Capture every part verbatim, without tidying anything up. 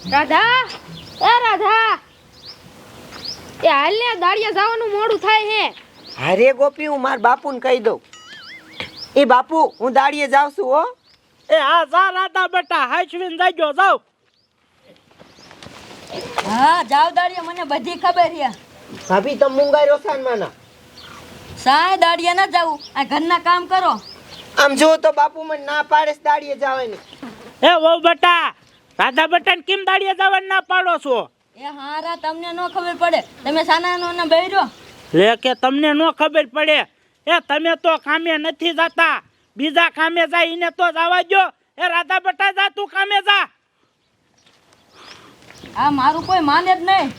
રાધા, એ રાધા, એ હાલ ને દાડિયા જવાનું મોડું થાય હે. અરે ગોપી, હું માર બાપુને કહી દઉં. એ બાપુ, હું દાડિયે જાઉં છું હો. એ હા જા રાધા બેટા, હાચવીને જાજો જાવ. હા જાવ દાડિયા, મને બધી ખબર છે. ભાભી તમે મુંગાઈ રોસાન માના સાય દાડિયા ના જાવું, આ ઘરના કામ કરો. આમ જો તો બાપુ મને ના પાડે છે દાડિયે જવાની. એ વહુ બેટા, રાધા બેટાને કેમ દાડિયા જવાનું ના પાડો છો? એ હારા તમને નો ખબર પડે, તમે સાનાનો ના બેરો. લે કે તમને નો ખબર પડે? એ તમે તો કામે નથી જાતા, બીજા કામે જાય એને તો જવા દો. એ રાધા બેટા જા, તું કામે જા. આ મારું કોઈ માને જ નહીં.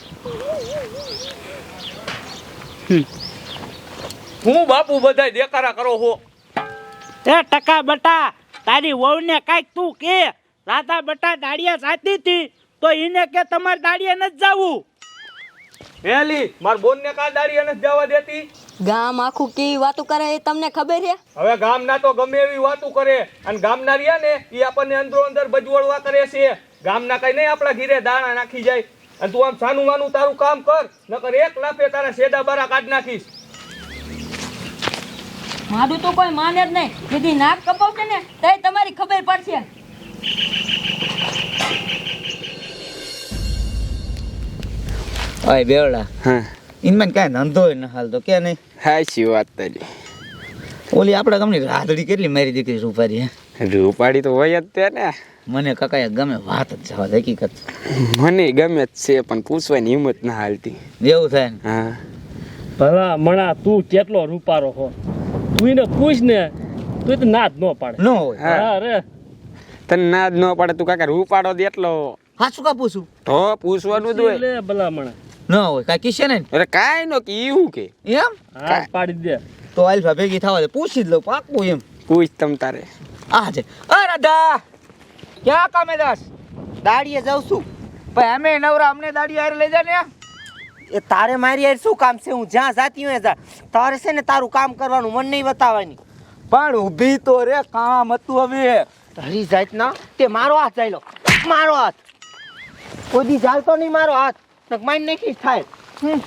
હું બાપુ બધાય દેકારા કરો છો. એ ટકા બટા, તારી વહુને કાંઈક તું કે. રાધા બટા દાડિયા જાતી હતી તો એને કે તમારે દાડિયા નથી જાવું. હેલી માર બોન ને કા દાડી અને જવા દેતી. ગામ આખું કેવી વાતો કરે એ તમને ખબર છે? હવે ગામના તો ગમે એવી વાતો કરે અને ગામના રહ્યા ને એ આપણને અંદરો અંદર બજવડવા કરે છે. ગામના કઈ નહીં આપણા ઘીરે દાણા નાખી જાય. અને તું આમ સાનું માનું તારું કામ કર, નકર એક લાફે તારા શેડા બારા કાઢ નાખીશ. મારું તો કોઈ માને જ નહીં. દીદી નાક કપાવશે ને તો તમારી ખબર પડશે. ઓય બેવડા, હા ઇનમાં કાંઈ ધંધો ન હાલતો કે નહીં? હાચી વાત તારી. ઓલી આપણા ગામની રાધડી કેટલી મારી દીકરી રૂપારી હે. રૂપાડી તો હોય જ તે ને. મને કાકાએ ગમે વાત જ જવા દે, હકીકત મને ગમે જ છે પણ પૂછવાની હિંમત ના હાલતી. એવું થાય ને. હા ભલા મણા, તું કેટલો રૂપારો હો. તું એને પૂછ ને, તું તો ના જ ન પાડે. ન હોય હા અરે તને ના જ ન પડે. તું કાકા રૂપાડો દે એટલો હા, શું કા પૂછું? તો પૂછવાનું જ હોય. લે ભલા મણા, ન હોય કાંઈ કિસ્સે નહીં અરે કાંઈ નો કે એવું કે એમ. હા પાડી દે. તો આલ્ફા ભેગી થવા દે, પૂછી જ લઉં પાકું એમ. પૂછ તમ તારે. આ છે. અ રાધા, ક્યાં કામે દાસ? દાડિયે જાઉં છું. ભાઈ અમે નવરા, અમને દાડી હારે લઈ જા ને. એ તારે મારી યાર શું કામ છે? હું જ્યાં જાતી હોય જા. તારે છે ને તારું કામ કરવાનું, મન નહીં બતાવવાની. પણ ઊભી તો રે, કામ હતું હવે. હરી જાત ના તે મારો હાથ જાય લો, મારો હાથ. કોઈ દી ચાલતો નહીં મારો હાથ, નક માઇન નાખી થાય. હમ.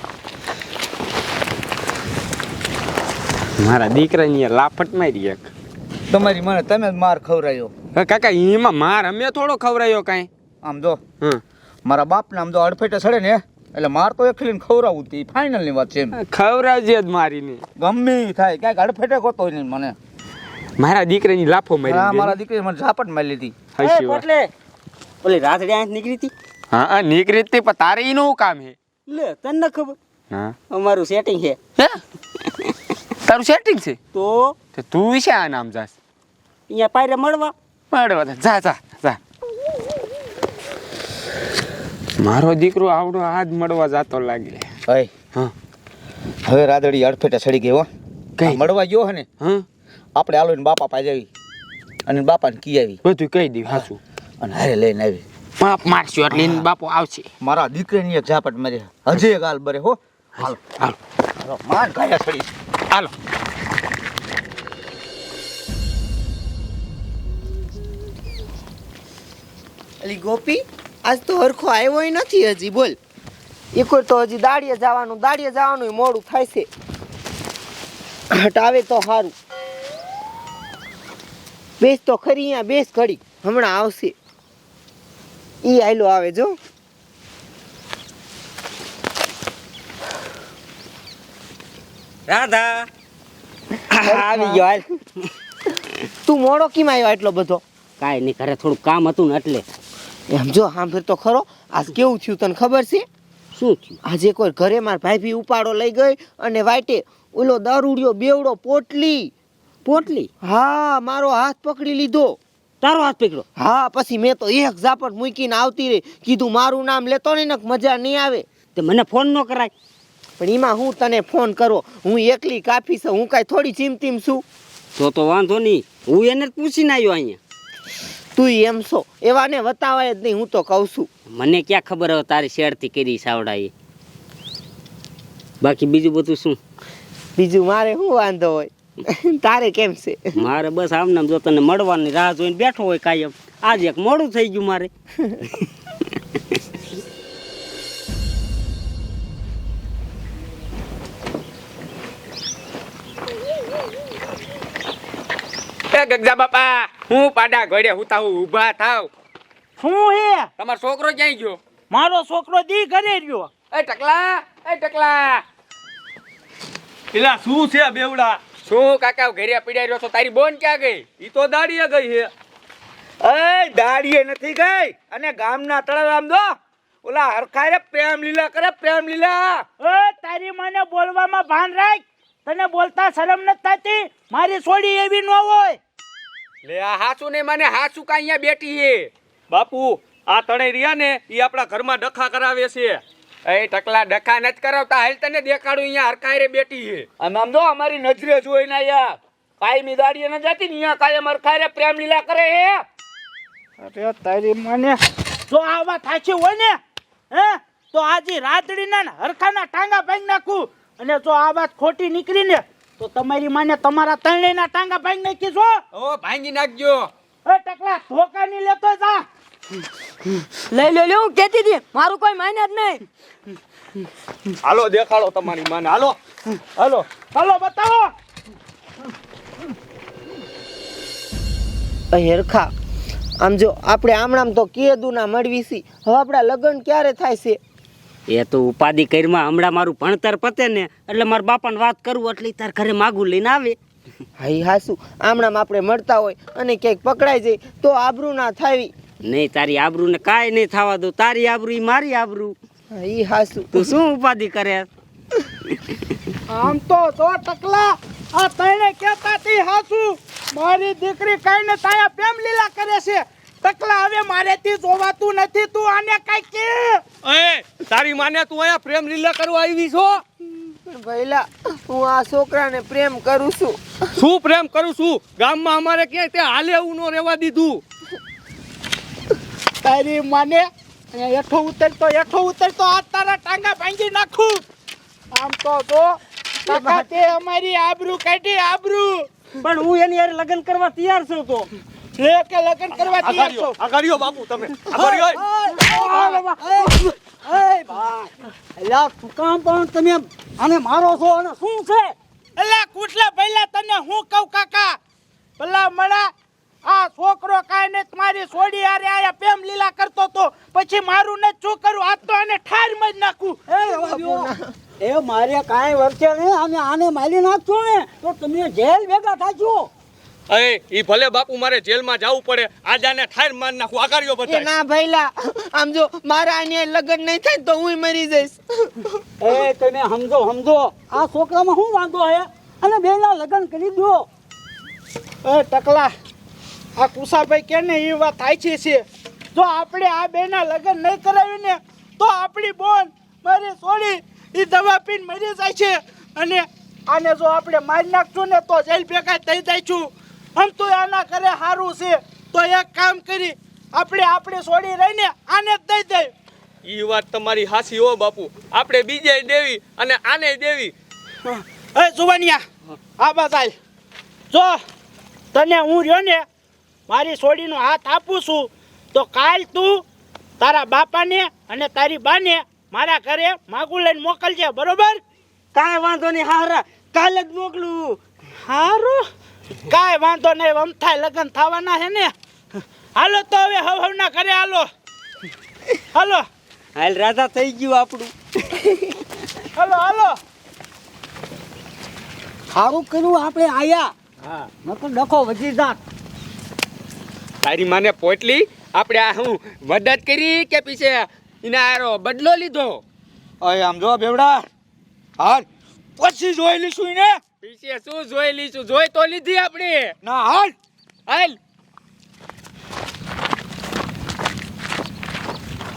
મારા દીકરાની લાફટ મારી એક. તમારી મને તમે જ માર ખવરાયો. હવે કાકા એમાં માર અમે થોડો ખવરાયો કાંઈ. આમ જો હમ મારા બાપને આમ જો અડફેટે સડે ને એટલે માર તો એકલીને ખવરાવું તી ફાઇનલ ની વાત છે એમ. ખવરાવજે જ મારીને. ગમે ઈ થાય, ક્યાંક અડફેટે ગોતો નહીં મને. મારા દીકરાની લાફો હા, મારી મારા દીકરી મને ઝાપટ મારી લીધી. હાચી વાત. એટલે ઓલી રાતડી આંખ નીકળી હતી. હા હા નીકળી જ તે, પણ તારે એનું કામ હે. લે તને ન ખબર, હા અમારું સેટિંગ છે. હે તારું સેટિંગ છે તો તો તું છે આ નામ જાસ અહીંયા પાયરે મળવા. મળવા દે. જા જા જા. મારો દીકરો આવડો આજ મળવા જાતો લાગે. અય હા હવે રાદડી અડફેટે સડી ગઈ હો. કઈ? આ મળવા ગયો હે ને, હા આપણે આલો ને બાપા પાસે આવી અને બાપાને કી આવી બધું કહી દઉં હાચું. અને હારે લઈને આવી. પાપ મારશું એટલે એને બાપો આવશે. મારા દીકરીની એક ઝાપટ મારી, હજી એક હાલ બરે હો. હાલો હાલો હાલો, માર ગાયા સડી. હાલો. અલી ગોપી, આજ તો હરખો આવ્યો નથી હજી. બોલ, એ કોઈ તો હજી દાડિયે જવાનું, દાડિયે જવાનું મોડું થાય છે. હટ આવે તો સારું. બેસ તો ખરી અહીંયા, બેસ ઘડી, હમણાં આવશે. ઈ આયલો આવે જો. રાધા આવી ગયો હાલ. તું મોડો કેમ આવ્યો એટલો બધો? કાંઈ નહીં, ઘરે થોડું કામ હતું ને એટલે. એમ જો સાંભળ તો ખરો, આજ કેવું થયું તને ખબર છે? શું થયું? આજે કોઈ ઘરે માર ભાભી ઉપાડો લઈ ગઈ અને વાટે ઓલો દારૂડિયો બેવડો પોટલી પોટલી? હા, મારો હાથ પકડી લીધો. તારો હાથ પકડ્યો? હા, પછી મેં તો એક ઝાપટ મૂકીને આવતી રહી. કીધું મારું નામ લેતો નહીં ને મજા નહીં આવે. તે મને ફોન ન કરાય? પણ એમાં હું તને ફોન કરો, હું એકલી કાફી છું, હું કાંઈ થોડી ચીમતીમ છું. તો તો વાંધો નહીં, હું એને જ પૂછીને આવ્યો અહીંયા. તું એમ છો, એવાને વતાવાય જ નહીં, હું તો કહું છું. મને ક્યાં ખબર હવે તારી શેરથી કરી સાવડા એ. બાકી બીજું બધું શું? બીજું મારે શું વાંધો હોય? તારે કેમ છે? મારે બસ આમને જો તને મળવાની રાહ જોઈને બેઠો હોય કાયમ. આજે એક મોડું થઈ ગયું મારે. એ ગગજા બાપા હું પાડા ઘોડે હુતા હું ઊભા થાવ. શું હે? તમારો છોકરો ક્યાંય ગયો? મારો છોકરો દી ઘરે રહ્યો. એ ટકલા, એ ટકલા, પેલા શું છે બેવડા? શું કાકા ઘરે પીડાઈ રહ્યો છો? તારી બોન ક્યાં ગઈ? ઈ તો દાડીએ ગઈ છે. એ દાડીએ નથી ગઈ, અને ગામના તળાવ દો ઓલા હરખાય પ્રેમ લીલા કરે, પ્રેમ લીલા. એ તારી મને બોલવામાં ભાન રાખ. તને બોલતા શરમ નથી થતી? મારી છોડી એવી ન હોય. લે આ હાસુ ને મને હાસુ કા અહીંયા બેઠી હે. બાપુ આ તણે રહ્યા ને ઈ આપણા ઘરમાં ડખા કરાવે છે. એ ટકલા ડખા નથી કરાવતા, હાલ તને દેખાડું અહીંયા હરખાય બેઠી હે. આમ આમ જો અમારી નજરે જોઈ ને યાર કાયમી દાડીએ ન જતી ને અહીંયા કાયમ હરખાય પ્રેમ લીલા કરે હે. અરે તારી મને જો આ વાત સાચી હોય ને હે તો આજે રાતડીના ને હરખાના ટાંગા ભાંગી નાખું, અને જો આ વાત ખોટી નીકળી ને તો તમારી માને તમારા ત્રણેયના ટાંગા ભાંગી નાખી છો. ઓ ભાંગી નાખજો. એ ટકલા ધોકા ની લેતો જા. લઈ લો લ્યો, હું કહેતી હતી મારું કોઈ માને જ નહીં. હાલો દેખાડો તમારી માને. હાલો હાલો હાલો બતાવો. હરખા આમ જો આપણે આમણામ તો કીધું ના મળવી છી, હવે આપણા લગ્ન ક્યારે થાય છે? એ તો ઉપાધિ કરીમાં હમણાં મારું ભણતર પતે ને એટલે મારા બાપાને વાત કરું એટલે તાર ઘરે માગું લઈને આવે. હાઈ હાસુ આમણામ આપણે મળતા હોય અને ક્યાંક પકડાઈ જાય તો આબરૂ ના થાવી. નહીં, તારી આબરૂ ને કાંઈ નહીં થવા દો. તારી આબરૂ ઈ મારી આબરૂ. ઈ હાસુ. તું શું ઉપાધિ કરે? આમ તો જો ટકલા આ તને કહેતા તી હાસુ મારી દીકરી કઈ ને તાયા પ્રેમ લીલા કરે છે. ટકલા હવે મારેથી જોવાતું નથી, તું આને કઈ કે. એ તારી માને તું અહીંયા પ્રેમ લીલા કરવા આવી છો? ભઈલા હું આ છોકરાને પ્રેમ કરું છું. શું પ્રેમ કરું છું? ગામમાં અમારે ક્યાંય તે હાલે એવું ન રહેવા દીધું. તારી માને એઠો ઉતરતો એઠો ઉતરતો આ તારા ટાંગા ભાંગી નાખું. આમ તો જો કાકા તે અમારી આબરૂ કાઢી, આબરૂ. પણ હું એની યાર લગ્ન કરવા તૈયાર છું. તો જે કે લગ્ન કરવા તૈયાર છો. આગારીઓ બાપુ તમે આગારીઓ. તમે આને મારો છો અને શું છે? એલા કુટલા ભઈલા તને હું કહું કાકા, ભલા મળા આ છોકરો કાંઈ ને તમારી છોડી આરે આયા પ્રેમ લીલા કરતો તો પછી મારું ને શું કરું? આ તો આને ઠાર માં જ નાખું. એ મારે કાંઈ વર્તે નહીં, અમે આને મારી નાખશું ને તો તમે જેલ ભેગા થાજો. એ ઈ ભલે બાપુ મારે જેલમાં જવું પડે, આજાને ઠાર માર નાખું. આગારીઓ એ બતાય. ના ભઈલા આમ જો મારા આને લગ્ન નહીં થાય તો હું મરી જઈશ. એ તમે સમજો સમજો આ છોકરામાં શું વાંધો હે? અને બેના લગ્ન કરી દો. એ ટકલા આ કુસાભાઈ કે ને એ વાત સાચી છે. જો આપણે આ બેના લગ્ન નહીં કરાવી ને તો આપણી બોન મારી છોડી એ દવા પીને મરી જાય છે, અને આને જો આપણે મારી નાખશું ને તો જેલ ભેગા થઈ જઈશું. આમ તો આના ઘરે સારું છે તો એક કામ કરી આપણે આપણે છોડી રહીને આને જ દઈ દઈ. ઈ વાત તમારી હાસી હો બાપુ. આપણે બીજે દેવી અને આને દેવી. એ જુવાનિયા આ બતાય જો તને હું રહ્યો ને મારી છોડીનો હાથ આપું છું તો કાલ તું તારા બાપાને અને તારી બાને મારા ઘરે માગું લઈને મોકલજે, બરોબર? કાંઈ વાંધો નહીં, હારા કાલે જ મોકલું. હારું કાંઈ વાંધો નહીં, વમથાય લગ્ન થવાના છે ને. હાલો તો હવે હવ હવના ઘરે હાલો. હાલો હાલ રાધા થઈ ગયું આપણું. હાલો હાલો. સારું કર્યું આપણે આયા. હા નકર ડખો વધી જાત. તારી માને પોટલી આપણે આ હું મદદ કરી કે પીછે એના આરો બદલો લીધો? અય આમ જો બેવડા હાલ પછી જોઈ લઈશું ને. પીછે શું જોઈ લીધું? જોઈ તો લીધી આપણે. ના હાલ હાલ